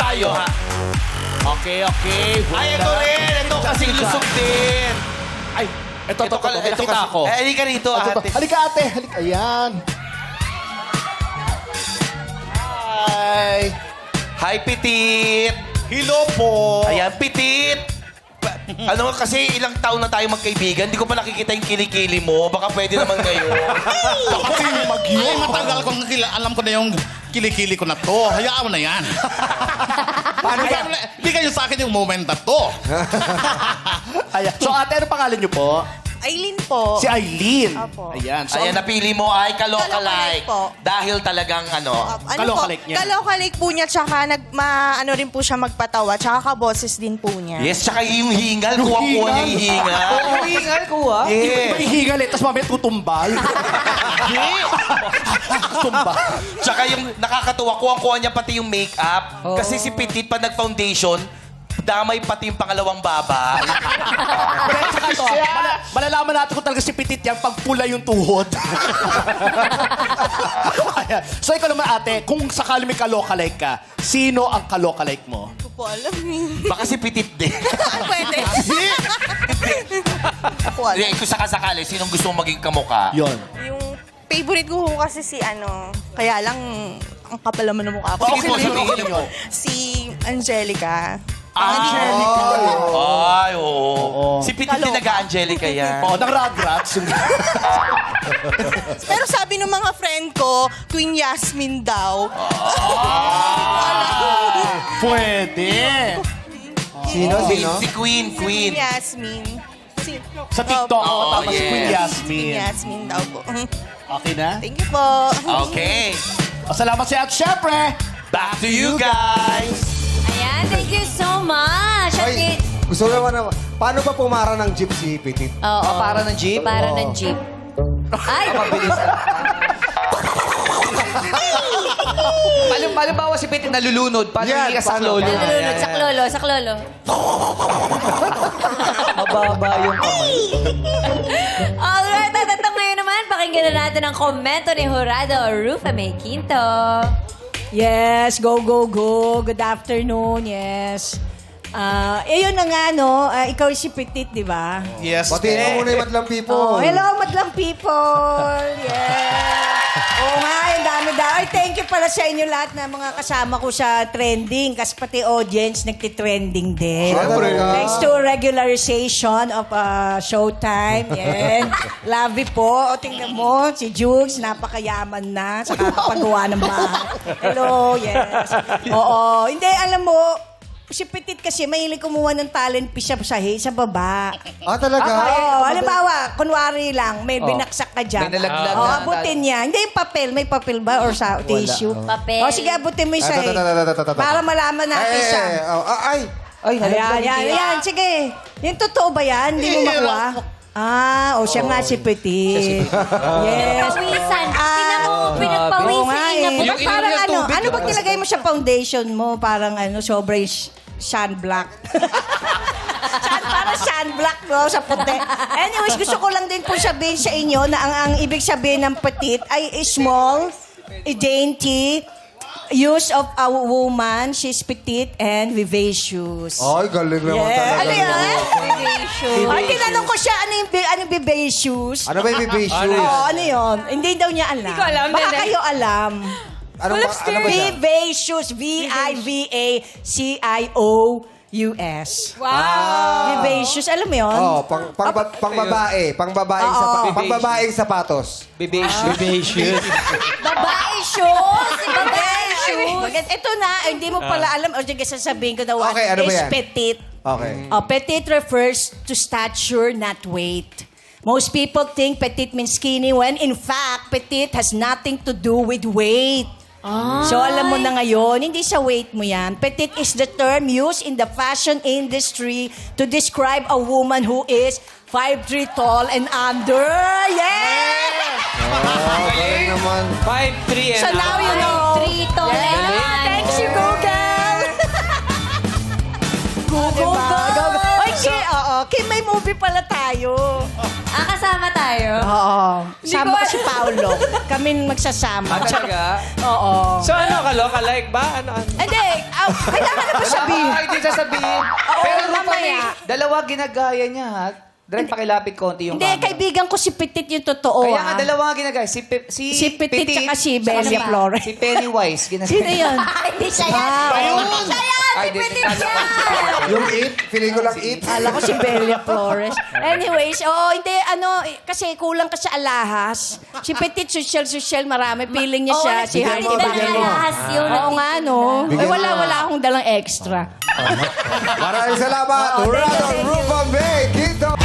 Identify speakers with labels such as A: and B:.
A: tayo, ha? Okay.
B: Ay, ito rin. Ito kasi lusog din.
A: Ay, ito, nakita ako.
B: Eh, halika rito, ate.
C: Halika, ate. Halika. Ayan. Hi.
B: Hi, Pitit.
C: Hello po.
B: Ayan, Pitit. Ano kasi ilang taon na tayo magkaibigan, hindi ko pa nakikita yung kilikili mo. Baka pwede naman ngayon.
C: Kasi
D: Ay, matagal kong alam ko na yung kilikili ko na to. Hayaan mo na yan. Paano hindi kayo sa akin yung moment na to.
C: Ayan. So, ate, ano pangalan niyo po?
E: Aileen po.
C: Si Aileen.
E: Opo.
C: Ayan. So,
B: Ayan, napili mo ay
E: Kalokalike
B: kalokalike.
E: po.
B: Dahil talagang ano.
C: Kalokalike niya.
E: Kalokalike po niya, tsaka ano rin po siya magpatawa, tsaka kaboses din po niya.
B: Yes, tsaka yung hingal. Kuha-kuha niya yung hingal.
A: Hingal ko, ha?
B: Yes.
C: may higal eh, tapos mamaya tutumbal. Tumbal.
B: Tsaka yung nakakatuwa, kuha-kuha niya pati yung makeup. Kasi si Petit, pa nag-foundation, damay pati yung pangalawang baba.
C: Pero saka ito, malalaman natin kung talaga si Petit yan pag pula yung tuhod. Ayan. So, ikaw naman, ate, kung sakali may kalokalike ka, sino ang kalokalike mo?
E: Hindi ko po alam eh.
B: Baka si Petit din.
E: Pwede. Ako alam.
B: Kung sakasakali, sinong gusto mong maging kamukha?
C: Yon.
E: Yung favorite ko po kasi si kaya lang ang kapal naman ng mukha ko.
B: Sige po, sabihin mo.
E: Si Angelica.
B: Ay, oo. Si Petit din
E: Kaloka.
B: nag-Angelica yan.
C: Oo, ng Rugrats.
E: Pero sabi ng mga friend ko, Queen Yasmin daw.
C: Pwede.
B: Si Queen.
E: Queen Yasmin.
C: Sa TikTok,
E: Opo.
C: tama si Queen
B: yes.
C: Yasmin.
E: Queen Yasmin daw po.
C: Okay na?
E: Thank you po.
B: Okay.
C: O, salamat siya. At syempre,
B: Back to you guys.
F: Ayan, thank you so much.
G: Ay, gusto naman. Paano ba pumara ng jeep si Petit?
F: Oo.
A: Para ng jeep?
F: Para ng jeep. Ay!
A: Halimbawa si Petit nalulunod, paano
G: Yan,
A: hindi ka
G: paano?
A: saklolo?
F: Nalulunod, saklolo, saklolo.
A: Mababa yung kamay.
F: Alright, at ito ngayon naman, pakinggan na natin ang komento ni Jurado Rufa May Quinto.
H: Yes, go. Good afternoon, yes. Yun na nga, no? Ikaw si Petit, di ba?
D: Yes.
G: Batiin mo muna yung madlang people.
H: Oh, hello, madlang people! Yeah! Oo nga, yung dami. Ay, thank you pala sa inyo lahat na mga kasama ko sa trending. Kasi pati audience nagtitrending din.
G: Siyempre.
H: Thanks to regularization of Showtime. Yan. Lovey po. O, tingnan mo, si Jukes, napakayaman na sa kakapagawa ng bahay. Hello, yes. Oo. Hindi, alam mo, si Petit kasi mahilig kumuha ng talent piece sa baba.
G: Talaga?
H: Oo, halimbawa, kunwari lang, may binaksak ka dyan.
A: May nalaglag
H: Oo,
A: na-
H: abutin niya. Hindi yung papel. May papel ba? Or sa tissue?
F: Papel.
H: O, sige, abutin mo yung sahig. Para malaman natin siya.
G: Ay,
A: Ay, nalaglag.
H: Ayan, sige. Yung totoo ba yan? Hindi mo makuha? Siya nga si Petit. Yes.
F: Pawisan. Tingnan mo,
H: Oo
F: pinagpawisin
H: nga
F: niya.
H: eh.
A: Yung
H: Ba't parang
A: ininom niya tubig,
H: ano ba nilagay mo sa foundation mo? Parang sobrang sunblock. Parang sunblock, no? Sa puti. Anyways, gusto ko lang din po sabihin sa inyo na ang ibig sabihin ng petit ay small, dainty, use of a woman. She's petite and vivacious.
G: ay, galing naman
H: Yeah.
G: talaga.
H: Ano yan?
F: Vivacious.
H: Ay, tinanong ko siya, ano yung vivacious?
G: Ano ba yung vivacious?
H: Oo, ano yun? Hindi daw niya alam.
F: Hindi ko alam,
H: Baka
F: Nene.
H: kayo alam.
G: Ano ba siya?
H: Vivacious. V-I-V-A-C-I-O-U-S.
F: Wow.
H: Vivacious. Alam mo yun?
G: Oh, pang babae. Pang babaeng sapatos.
A: Bibation.
F: Babae shoes. Babae shoes.
H: Maganda. Ito na, hindi mo pala alam. O sige, sasabihin ko na one
G: Okay, ano ba
H: is
G: yan?
H: petite.
G: Okay.
H: Petite refers to stature, not weight. Most people think petite means skinny when in fact, petite has nothing to do with weight. So alam mo na ngayon, hindi sa weight mo yan. Petite is the term used in the fashion industry to describe a woman who is 5'3" tall and under. Yeah!
G: Galing naman.
A: 5'3" and
H: So now you know.
F: Trito na yan.
H: Thanks you, Google! Google! Oy, oo. Kim, may movie pala tayo.
F: Kasama tayo.
H: Oo.
F: Hindi
H: Sama
F: ko
H: ko si Paolo. Kami magsasama.
A: Ah, talaga?
H: Oo.
A: So ano, kaloka-like ba? Ano?
H: Hindi, kailangan na ba sabihin?
A: Hindi sasabihin.
H: Oo,
A: Pero
H: mamaya.
A: dalawa ginagaya niya, ha? Direct pakilapit konti yung
H: Hindi,
A: camera.
H: kaibigan ko si Petit yung totoo,
A: Kaya nga,
H: ha?
A: dalawa nga ginagaya. Si
H: Petit tsaka si Belia
F: ba?
H: Flores.
A: Si Pennywise. Ginagaya.
H: Sino yun?
F: Hindi siya yan.
H: Ah,
F: Hindi siya yan.
A: Ay,
F: Si
A: di-
F: Petit
A: kala ko
F: yan.
G: Yung it, feeling ko lang it.
H: Kala ko si Belia Flores. Anyways, hindi, kasi kulang ka sa alahas. Si Petit, social, marami. Feeling niya siya. Si
F: Hindi
H: Heidi
F: na
H: Bagay.
F: lahas yun.
H: Oo nga, no?
G: Bigyan mo.
H: Wala akong dalang extra.
G: Maraming salamat. Rado Rufa May. Kito.